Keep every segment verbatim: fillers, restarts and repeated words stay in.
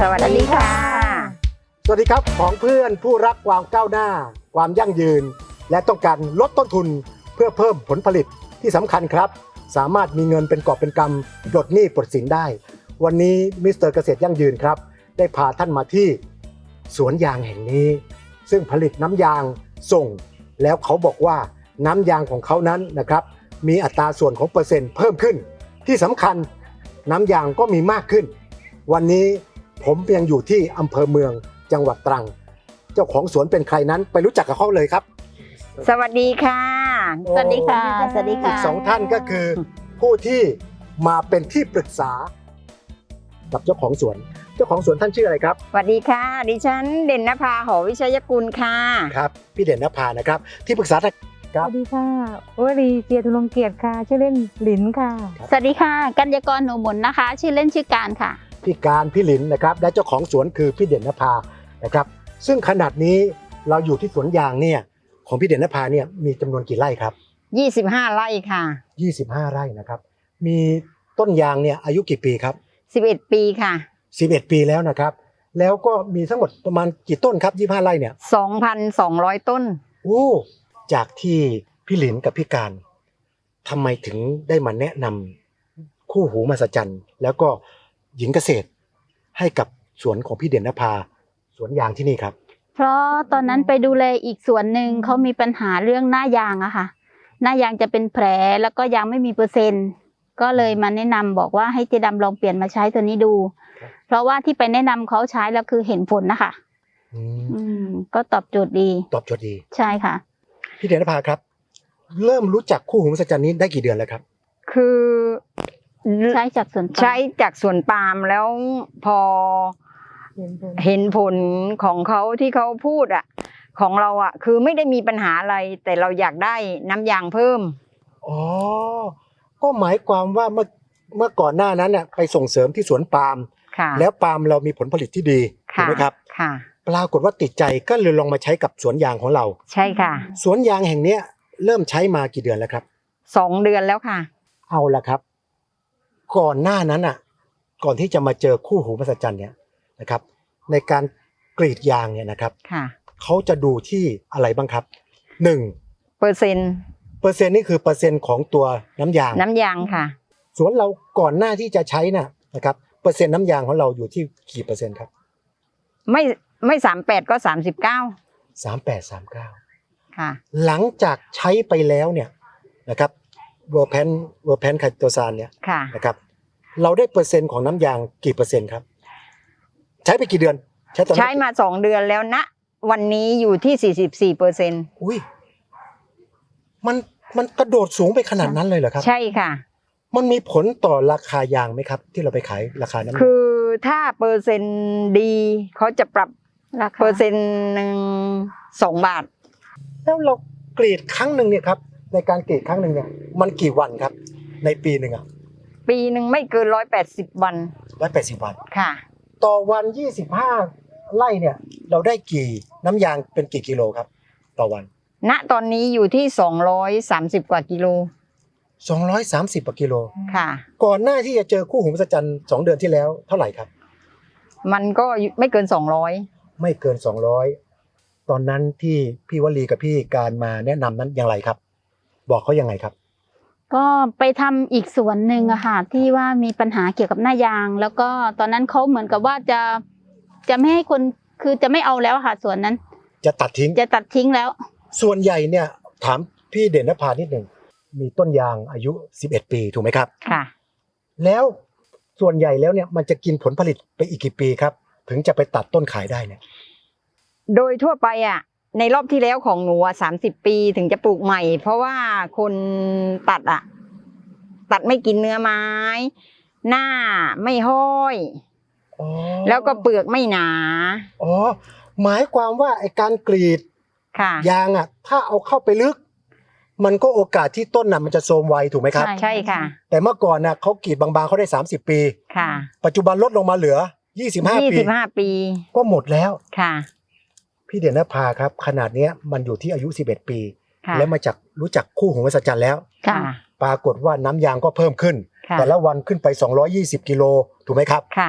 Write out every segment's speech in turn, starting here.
สวัสดีค่ะสวัสดีครับของเพื่อนผู้รักความก้าวหน้าความยั่งยืนและต้องการลดต้นทุนเพื่อเพิ่มผลผลิตที่สำคัญครับสามารถมีเงินเป็นกอบเป็นกำปลดหนี้ปลดสินได้วันนี้มิสเตอร์เกษตรยั่งยืนครับได้พาท่านมาที่สวนยางแห่งนี้ซึ่งผลิตน้ำยางส่งแล้วเขาบอกว่าน้ำยางของเขานั้นนะครับมีอัตราส่วนของเปอร์เซ็นต์เพิ่มขึ้นที่สำคัญน้ำยางก็มีมากขึ้นวันนี้ผมยังอยู่ที่อำเภอเมืองจังหวัดตรังเจ้าของสวนเป็นใครนั้นไปรู้จักกับเขาเลยครับสวัสดีค่ะสวัสดีค่ะสวัสดีอีค่ะกสองท่านก็คือผู้ที่มาเป็นที่ปรึกษากับเจ้าของสวนเจ้าของสวนท่านชื่ออะไรครับสวัสดีค่ะดิฉันเด่นนภาหอวิชัยกุลค่ะครับพี่เด่นนภานะครับที่ปรึกษาท่านสวัสดีค่ะวรีเจียรธุรงเกียรติค่ะชื่อเล่นหลินค่ะสวัสดีค่ะกัญญากรหนูหมุนนะคะชื่อเล่นชื่อการค่ะพี่การพี่หลินนะครับและเจ้าของสวนคือพี่เด่นนภานะครับซึ่งขนาดนี้เราอยู่ที่สวนยางเนี่ยของพี่เด่นนภาเนี่ยมีจำนวนกี่ไร่ครับยี่สิบห้าไร่ค่ะยี่สิบห้าไร่นะครับมีต้นยางเนี่ยอายุกี่ปีครับสิบเอ็ดปีค่ะสิบเอ็ดปีแล้วนะครับแล้วก็มีทั้งหมดประมาณกี่ต้นครับยี่สิบห้าไร่เนี่ยสองพันสองร้อย ต้นโอ้จากที่พี่หลินกับพี่การทำไมถึงได้มาแนะนำคู่หูมหัศจรรย์แล้วก็หญิงเกษตรให้กับสวนของพี่เด่นนภาสวนยางที่นี่ครับเพราะตอนนั้นไปดูแลอีกสวนหนึ่งเขามีปัญหาเรื่องหน้ายางอะค่ะหน้ายางจะเป็นแผลแล้วก็ยางไม่มีเปอร์เซ็นต์ก็เลยมาแนะนำบอกว่าให้เจดำลองเปลี่ยนมาใช้ตัวนี้ดูเพราะว่าที่ไปแนะนำเขาใช้แล้วคือเห็นผลนะคะอืมก็ตอบโจทย์ดีตอบโจทย์ดีใช่ค่ะพี่เด่นนภาครับเริ่มรู้จักคู่หูมหัศจรรย์นี้ได้กี่เดือนแล้วครับคือใช้จากสวนใช้จากสวนปาล์มแล้วพอเห็นผลของเขาที่เขาพูดอ่ะของเราอ่ะคือไม่ได้มีปัญหาอะไรแต่เราอยากได้น้ำยางเพิ่มอ๋อก็หมายความว่าเมื่อเมื่อก่อนหน้านั้นเนี่ยไปส่งเสริมที่สวนปาล์มแล้วปาล์มเรามีผลผลิตที่ดีถูกไหมครับค่ะปรากฏว่าติดใจก็เลยลองมาใช้กับสวนยางของเราใช่ค่ะสวนยางแห่งเนี้ยเริ่มใช้มากี่เดือนแล้วครับสองเดือนแล้วค่ะเอาละครับก่อนหน้านั้นอ่ะก่อนที่จะมาเจอคู่หูมหัศจรรย์เนี่ยนะครับในการกรีดยางเนี่ยนะครับเขาจะดูที่อะไรบ้างครับหนึ่งเปอร์เซ็นต์เปอร์เซ็นต์นี่คือเปอร์เซ็นต์ของตัวน้ำยางน้ำยางค่ะสวนเราก่อนหน้าที่จะใช้น่ะนะครับเปอร์เซ็นต์น้ำยางของเราอยู่ที่กี่เปอร์เซ็นต์ครับไม่ไม่สามแปดก็สามสิบเก้าสามแปดสามเก้าค่ะหลังจากใช้ไปแล้วเนี่ยนะครับเวอร์แพนเวอร์แพนไคโตซานเนี่ยนะครับเราได้เปอร์เซ็นต์ของน้ำยางกี่เปอร์เซ็นต์ครับใช้ไปกี่เดือนใช้ใช้มาสองเดือนแล้วนะวันนี้อยู่ที่สี่สิบสี่เปอร์เซ็นต์อุ้ยมันมันกระโดดสูงไปขนาดนั้นเลยเหรอครับใช่ค่ะมันมีผลต่อราคายางไหมครับที่เราไปขายราคานั้นคือถ้าเปอร์เซ็นต์ดีเขาจะปรับเปอร์เซ็นต์หนึ่งสองบาทแล้วเรากรีดครั้งหนึ่งเนี่ยครับในการกรีดครั้งหนึ่งเนี่ยมันกี่วันครับในปีหนึ่งอ่ะปีหนึ่งไม่เกินร้อยแปดสิบวันร้อยแปดสิบวันค่ะต่อวันยี่สิบห้าไร่เนี่ยเราได้กี่น้ำยางเป็นกี่กิโลครับต่อวันณตอนนี้อยู่ที่สองร้อยสามสิบกว่ากิโลสองร้อยสามสิบกว่ากิโลค่ะก่อนหน้าที่จะเจอคู่หูมหัศจรรย์สองเดือนที่แล้วเท่าไหร่ครับมันก็ไม่เกินสองร้อยไม่เกินสองร้อยตอนนั้นที่พี่วลีกับพี่การมาแนะนำนั้นอย่างไรครับบอกเขายังไงครับก็ไปทำอีกส่วนหนึ่งอะค่ะที่ว่ามีปัญหาเกี่ยวกับหน้ายางแล้วก็ตอนนั้นเขาเหมือนกับว่าจะจะไม่ให้คนคือจะไม่เอาแล้วค่ะส่วนนั้นจะตัดทิ้งจะตัดทิ้งแล้วส่วนใหญ่เนี่ยถามพี่เด่นนภานิดหนึ่งมีต้นยางอายุสิบเอ็ดปีถูกไหมครับค่ะแล้วส่วนใหญ่แล้วเนี่ยมันจะกินผลผลิตไปอีกกี่ปีครับถึงจะไปตัดต้นขายได้เนี่ยโดยทั่วไปอ่ะในรอบที่แล้วของหนูสามสิบปีถึงจะปลูกใหม่เพราะว่าคนตัดอ่ะตัดไม่กินเนื้อไม้หน้าไม่ห้อยแล้วก็เปลือกไม่หนาอ๋อหมายความว่าไอ้การกรีดยางอ่ะถ้าเอาเข้าไปลึกมันก็โอกาสที่ต้นน่ะมันจะโทรมไวถูกไหมครับใช่ค่ะแต่เมื่อก่อนน่ะเขากรีดบางๆเขาได้สามสิบปีค่ะปัจจุบันลดลงมาเหลือยี่สิบห้าปียี่สิบห้าปีก็หมดแล้วค่ะพี่เด่นนภาครับขนาดนี้มันอยู่ที่อายุสิบเอ็ดปีแล้วมาจากรู้จักคู่หูมหัศจรรย์แล้วปรากฏว่าน้ำยางก็เพิ่มขึ้นแต่ละวันขึ้นไปสองร้อยยี่สิบกิโลถูกไหมครับค่ะ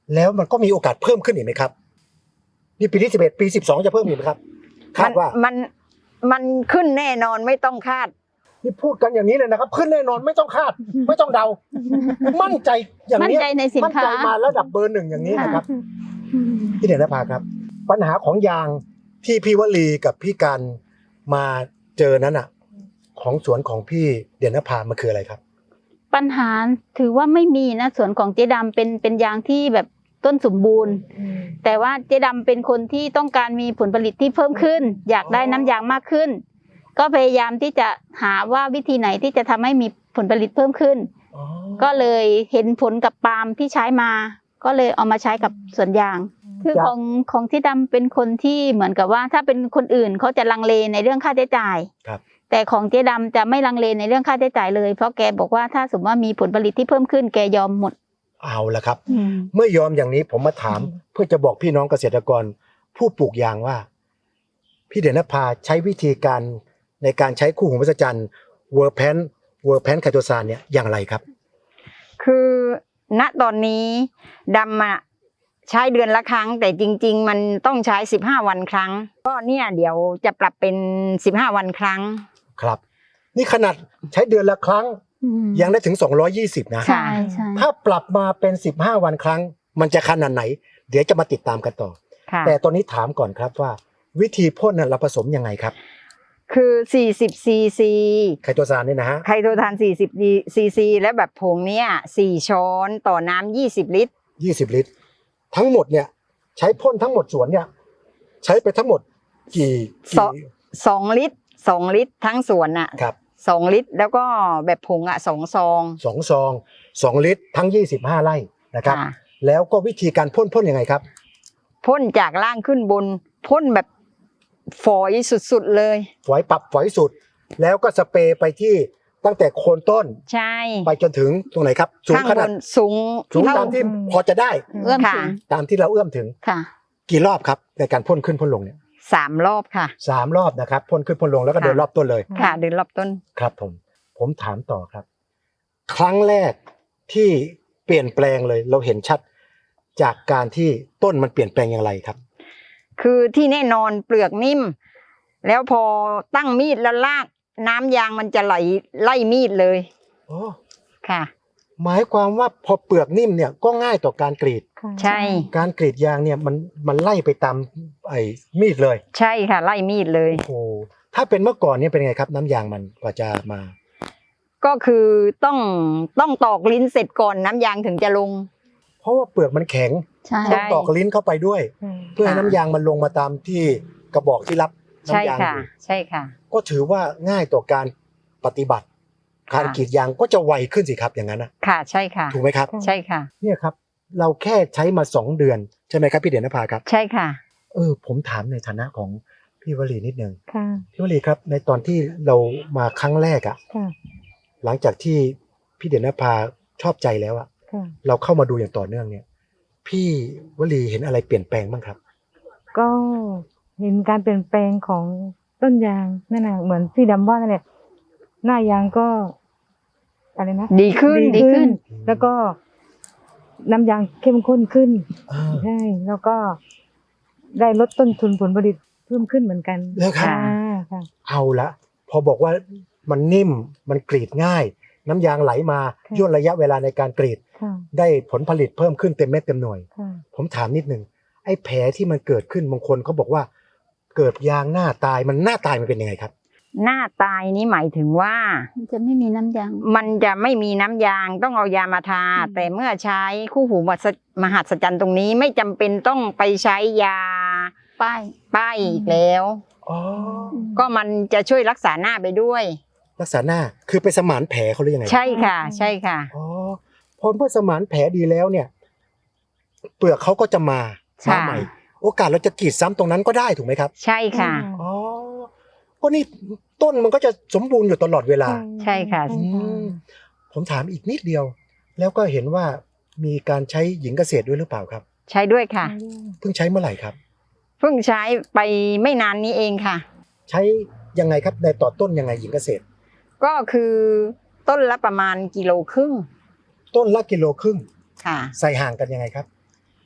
แล้วมันก็มีโอกาสเพิ่มขึ้นอีกไหมครับนี่ปีที่สิบเอ็ดปีสิบสองจะเพิ่มอีกไหมครับคาดว่ามันมันขึ้นแน่นอนไม่ต้องคาดนี่พูดกันอย่างนี้เลยนะครับ ขึ้นแน่นอนไม่ต้องคาด ไม่ต้องเดา มั่นใจอย่างมั่นนี้ใจในสินมั่นค้าใจมาระดับเบอร์หนึ่งอย่างนี้นะครับพี่เด่นนภาครับ ปัญหาของยางที่พี่วลีกับพี่กันมาเจอนั้นอ่ะ ของสวนของพี่เด่นนภามันคืออะไรครับปัญหาถือว่าไม่มีนะสวนของเจ๊ดำเป็นเป็นยางที่แบบต้นสมบูรณ์ แต่ว่าเจ๊ดำเป็นคนที่ต้องการมีผลผลิตที่เพิ่มขึ้น อยากได้น้ำยางมากขึ้น ก็พยายามที่จะหาว่าวิธีไหนที่จะทำให้มีผลผลิตเพิ่มขึ้น ก็เลยเห็นผลกับปาล์มที่ใช้มา ก็เลยเอามาใช้กับสวนยาง คือของของเจ๊ดำเป็นคนที่เหมือนกับว่าถ้าเป็นคนอื่นเขาจะลังเลในเรื่องค่าใช้จ่ายครับแต่ของเจ๊ดำจะไม่ลังเลในเรื่องค่าใช้จ่ายเลยเพราะแกบอกว่าถ้าสมมติว่ามีผลผลิตที่เพิ่มขึ้นแกยอมหมดเอาละครับ เมื่อยอมอย่างนี้ผมมาถามเพื่อจะบอกพี่น้องเกษตรกร ผู้ปลูกยางว่า พี่เด่นนภาใช้วิธีการในการใช้คู่หูมหัศจรรย์เวอร์แพนเวอร์แพนไคโตซานเนี่ยอย่างไรครับคือณตอนนี้ดำอะใช้เดือนละครั้ง แต่จริง ๆ มันต้องใช้สิบห้าวันครั้ง ก็เนี่ยเดี๋ยวจะปรับเป็นสิบห้าวันครั้งครับ นี่ขนาดใช้เดือนละครั้ง ยังได้ถึงสองร้อยยี่สิบนะใช่ใช่ถ้าปรับมาเป็นสิบห้าวันครั้ง มันจะขนาดไหน เดี๋ยวจะมาติดตามกันต่อค่ะแต่ตอนนี้ถามก่อนครับว่า วิธีพ่นน่ะเราผสมยังไงครับคือสี่สิบซีซีไคโตซานเนี่ยนะฮะไคโตซานสี่สิบซีซีแล้วแบบผงเนี้ยสี่ช้อนต่อน้ำยี่สิบลิตรยี่สิบลิตร ทั้งหมดเนี่ย ใช้พ่นทั้งหมดสวนเนี่ย ใช้ไปทั้งหมดกี่สอกี่ง สองลิตรสองลิตรทั้งสวนน่ะครับสองลิตรแล้วก็แบบผงอ่ะสองซองสองซองสองลิตรทั้งยี่สิบห้าไร่นะครับค่ะแล้วก็วิธีการพ่นพ่นยังไงครับพ่นจากล่างขึ้นบนพ่นแบบฝอยสุดๆเลยฝอยปรับฝอยสุด แล้วก็สเปรย์ไปที่ตั้งแต่โคนต้นใช่ไปจนถึงตรงไหนครับ สูงข้างขบนาดนสูงสูงเท่าตามที่พอจะได้เอื้อมค่ะถึงตามที่เราเอื้อมถึงค่ะกี่รอบครับในการพ่นขึ้นพ่นลงเนี่ยสามรอบค่ะสามรอบนะครับพ่นขึ้นพ่นลงแล้วก็ค่ะเดินรอบต้นเลยค่ะเดินรอบต้นครับผมผมถามต่อครับ ครั้งแรกที่เปลี่ยนแปลงเลย เราเห็นชัดจากการที่ต้นมันเปลี่ยนแปลงอย่างไรครับคือที่แน่นอนเปลือกนิ่ม แล้วพอตั้งมีดแล้วลากน้ำยางมันจะไหลไล่มีดเลยโอ้ค่ะหมายความว่าพอเปลือกนิ่มเนี่ยก็ง่ายต่อการกรีดใช่การกรีดยางเนี่ยมันมันไล่ไปตามไอ้มีดเลยใช่ค่ะ ไล่มีดเลยโอ้โหถ้าเป็นเมื่อก่อนเนี่ยเป็นไงครับ น้ำยางมันกว่าจะมาก็คือต้องต้องตอกลิ้นเสร็จก่อนน้ำยางถึงจะลงเพราะว่าเปลือกมันแข็งใช่ต้องตอกลิ้นเข้าไปด้วย เพื่อให้น้ำยางมันลงมาตามที่กระบอกที่รับใช่น้ำยางอค่ะยู่ใช่ค่ะก็ถือว่าง่ายต่อการปฏิบัติ การค่ะกรีดยางก็จะไวขึ้นสิครับอย่างนั้นนะค่ะใช่ค่ะถูกไหมครับใช่ค่ะเนี่ยครับ เราแค่ใช้มาสองเดือนใช่ไหมครับพี่เด่นนภาครับใช่ค่ะเออผมถามในฐานะของพี่วลีนิดนึงค่ะพี่วลีครับ ในตอนที่เรามาครั้งแรกอะค่ะหลังจากที่พี่เด่นนภาชอบใจแล้วอะค่ะเราเข้ามาดูอย่างต่อเนื่องเนี่ย พี่วลีเห็นอะไรเปลี่ยนแปลงบ้างครับก็เห็นการเปลี่ยนแปลงของต้นยางนั่นน่ะเหมือนที่ดำว่านั่นแหละหน้ายางก็อะไรนะดีขึ้นดีขึ้นแล้วก็น้ำยางเข้มข้นขึ้นอ่าใช่แล้วก็ได้ลดต้นทุนผลผลิตเพิ่มขึ้นเหมือนกันแล้วครับค่ะค่ะเอาละพอบอกว่ามันนิ่มมันกรีดง่าย น้ำยางไหลมาค่ะย่นระยะเวลาในการกรีดค่ะได้ผลผลิตเพิ่มขึ้นเต็มเม็ดเต็มหน่วยค่ะผมถามนิดนึงไอ้แผลที่มันเกิดขึ้นบางคนเขาบอกว่า เกิดยางหน้าตายมันหน้าตายมันเป็นยังไงครับหน้าตายนี่หมายถึงว่ามันจะไม่มีน้ำยางมันจะไม่มีน้ำยางต้องเอายามาทาอืมแต่เมื่อใช้คู่หูมหัศจรรย์ตรงนี้ไม่จำเป็นต้องไปใช้ยาป้ายป้ายอีกแล้วอ๋อก็มันจะช่วยรักษาหน้าไปด้วยรักษาหน้าคือไปสมานแผลเขาหรือยังไงใช่ค่ะ ใช่ค่ะอ๋อพอเมื่อสมานแผลดีแล้วเนี่ย เปลือกเขาก็จะมาค่ะมาใหม่ โอกาสเราจะกรีดซ้ำตรงนั้นก็ได้ถูกไหมครับใช่ค่ะอ๋อก็นี่ต้นมันก็จะสมบูรณ์อยู่ตลอดเวลาใช่ค่ะอืมผมถามอีกนิดเดียว แล้วก็เห็นว่ามีการใช้หญิงเกษตรด้วยหรือเปล่าครับใช้ด้วยค่ะเพิ่งใช้เมื่อไหร่ครับเพิ่งใช้ไปไม่นานนี้เองค่ะใช้ยังไงครับในต่อต้นยังไงหญิงเกษตรก็คือต้นละประมาณกิโลครึ่งต้นละกิโลครึ่งค่ะใส่ห่างกันยังไงครับ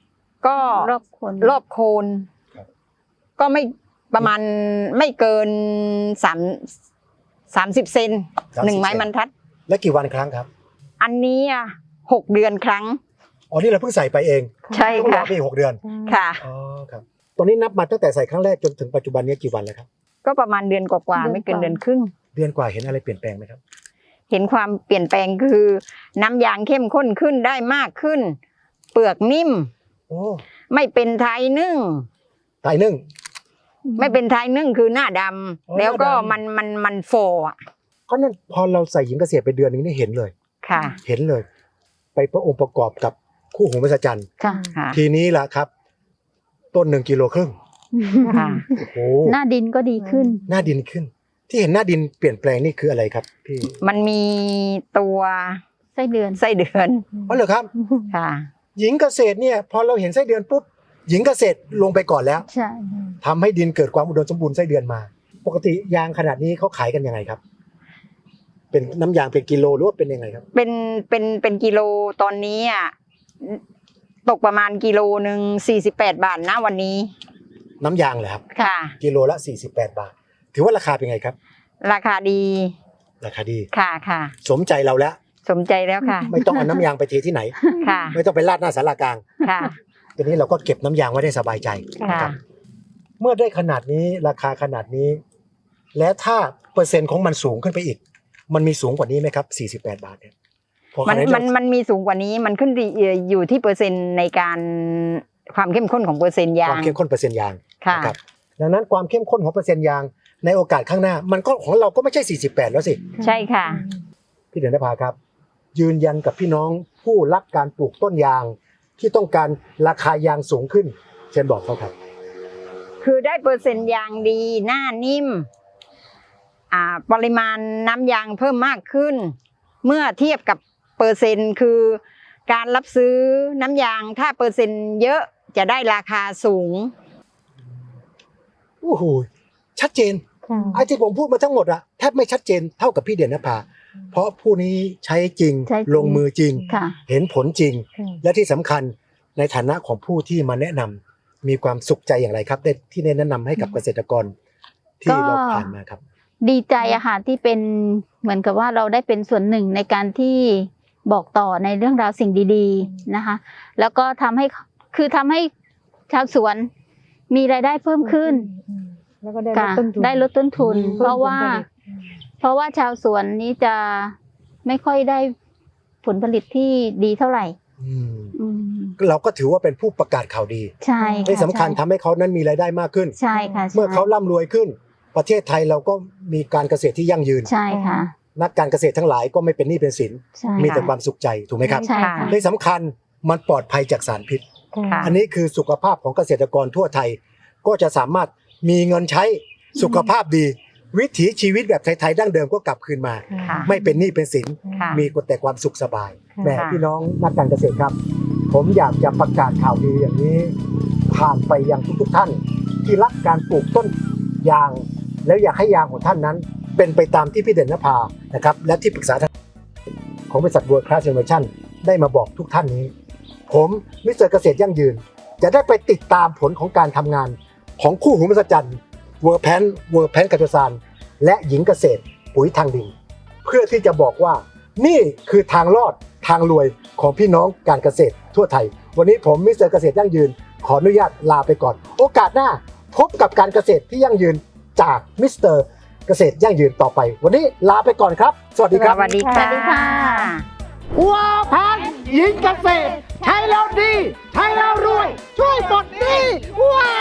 ก็รอบคนรอบโคนครับก็ไม่ประมาณไม่เกินสามสามสิบเซนสามสิบหนึ่งไม้บรรทัดและกี่วันครั้งครับอันนี้อ่ะหกเดือนครั้งอ๋อนี่เราเพิ่งใส่ไปเองใช่ต้องรอค่ะไปอีกหกเดือนค่ะอ๋อครับตอนนี้นับมาตั้งแต่ใส่ครั้งแรกจนถึงปัจจุบันนี้กี่วันแล้วครับก็ประมาณเดือนกว่าๆไม่เกินเดือนครึ่งเดือนกว่าเห็นอะไรเปลี่ยนแปลงไหมครับเห็นความเปลี่ยนแปลงคือ น้ำยางเข้มข้นขึ้นได้มากขึ้น เปลือกนิ่มโอ้ไม่เป็นไทยนึ่งตายนึ่งไม่เป็นไทยนึ่งคือหน้าดอ๋อำแล้วก็หน้าดำมันมันมันโฟอ่ะก็นั่นพอเราใส่หญิงเกษตรไปเดือนหนึงนี่เห็นเลยค่ะเห็นเลย ไปประองค์ประกอบกับคู่หูมหัศจรรย์ค่ะค่ะทีนี้ล่ะครับ ต้นหนึ่งกิโลครึ่งค่ะโอ้โหหน้าดินก็ดีขึ้นหน้าดินขึ้น ที่เห็นหน้าดินเปลี่ยนแปลงนี่คืออะไรครับพี่มันมีตัวไส้เดือนไส้เดือนอ๋อเหรอครับค่ะหญิงเกษตรเนี่ยพอเราเห็นไส้เดือนปุ๊บหญิงเกษตรลงไปก่อนแล้วใช่ทำให้ดินเกิดความอุดมสมบูรณ์ไส้เดือนมา ปกติยางขนาดนี้เขาขายกันยังไงครับ เป็นน้ำยางเป็นกิโลหรือว่าเป็นยังไงครับเป็นเป็นเป็นกิโลตอนนี้อ่ะตกประมาณกิโลหนึ่งสี่สิบแปดบาทนะวันนี้น้ำยางเหรอครับค่ะกิโลละสี่สิบแปดบาท ถือว่าราคาเป็นไงครับราคาดีราคาดีค่ะค่ะสมใจเราแล้วสมใจแล้วค่ะไม่ต้องเอาน้ำยางไปเทที่ไหนค่ะไม่ต้องไปราดหน้าศาลากลางค่ะทีนี้เราก็เก็บน้ำยางไว้ได้สบายใจค่ะนะครับเมื่อได้ขนาดนี้ราคาขนาดนี้ และถ้าเปอร์เซ็นต์ของมันสูงขึ้นไปอีก มันมีสูงกว่านี้ไหมครับสี่สิบแปดบาทเนี่ยพอขมันนาดมันมันมีสูงกว่านี้มันขึ้นดีอยู่ที่เปอร์เซ็นต์ในการความเข้มข้นของเปอร์เซ็นต์ยาความงเข้มข้นเปอร์เซ็นต์ยางค่ะนะครับดังนั้นความเข้มข้นของเปอร์เซ็นต์ยางในโอกาสข้างหน้า มันก็ของเราก็ไม่ใช่สี่สิบแปดแล้วสิใช่ค่ะพี่เดือนนภาครับ ยืนยันกับพี่น้องผู้รักการปลูกต้นยาง ที่ต้องการราคายางสูงขึ้น เชิญบอกเขาครับคือได้เปอร์เซ็นต์ยางดีหน้านิ่มอ่าปริมาณน้ำยางเพิ่มมากขึ้น เมื่อเทียบกับเปอร์เซ็นต์คือการรับซื้อน้ำยางถ้าเปอร์เซ็นต์เยอะจะได้ราคาสูงโอ้โหชัดเจนค่ะไอ้ที่ผมพูดมาทั้งหมดอะแทบไม่ชัดเจนเท่ากับพี่เดือนนภาเพราะผู้นี้ใช้จริงใช้จริงลงมือจริงค่ะเห็นผลจริงค่ะและที่สำคัญในฐานะของผู้ที่มาแนะนำมีความสุขใจอย่างไรครับได้ที่ได้แนะนำให้กับเกษตรกรที่ก็เราผ่านมาครับดีใจอะค่ะที่เป็นเหมือนกับว่าเราได้เป็นส่วนหนึ่งในการที่บอกต่อในเรื่องราวสิ่งดีๆนะคะ แล้วก็ทำให้คือทำให้ชาวสวนมีรายได้เพิ่มขึ้นแล้วก็ได้ลดค่ะต้นทุนได้ลดต้นทุนอืมเพราะว่า เพราะว่าชาวสวนนี้จะไม่ค่อยได้ผลผลิตที่ดีเท่าไหร่อืมอืมเราก็ถือว่าเป็นผู้ประกาศข่าวดีใช่ค่ะที่สำคัญทำให้เขานั้นมีรายได้มากขึ้นใช่ค่ะใช่เมื่อเขาร่ำรวยขึ้น ประเทศไทยเราก็มีการเกษตรที่ยั่งยืนใช่ค่ะนักการเกษตรทั้งหลายก็ไม่เป็นหนี้เป็นสินใช่มีแต่ความสุขใจถูกไหมครับใช่ค่ะที่สำคัญมันปลอดภัยจากสารพิษค่ะอันนี้คือสุขภาพของเกษตรกรทั่วไทย ก็จะสามารถมีเงินใช้สุขภาพดี วิถีชีวิตแบบไทยๆดั้งเดิมก็กลับคืนมาค่ะไม่เป็นหนี้เป็นสินค่ะมีแต่ความสุขสบายค่ะแหม่พี่น้องนักการเกษตรครับ ผมอยากจะประกาศข่าวดีอย่างนี้ ผ่านไปยังทุกๆท่าน ที่รักการปลูกต้นยาง แล้วอยากให้ยางของท่านนั้น เป็นไปตามที่พี่เด่นนภานะครับและที่ปรึกษาทางของบริษัท World Class Innovation ได้มาบอกทุกท่านนี้ ผมมิสเตอร์เกษตรยั่งยืน จะได้ไปติดตามผลของการทำงานของคู่หูมหัศจรรย์เวอร์แพนเวอร์แพนกัจจสานและหญิงเกษตรปุ๋ยทางดิน เพื่อที่จะบอกว่านี่คือทางรอดทางรวยของพี่น้องการเกษตรทั่วไทย วันนี้ผมมิสเตอร์เกษตรยั่งยืน ขออนุญาตลาไปก่อน โอกาสหน้าพบกับการเกษตรที่ยั่งยืนจากมิสเตอร์เกษตรยั่งยืนต่อไป วันนี้ลาไปก่อนครับ สวัสดีครับสวัสดีสค่ะวัสดีค่ะวัวพันหญิงเกษตรใช้แล้วดี ใช้แล้วรวย ช่วยปลดหนี้ว้า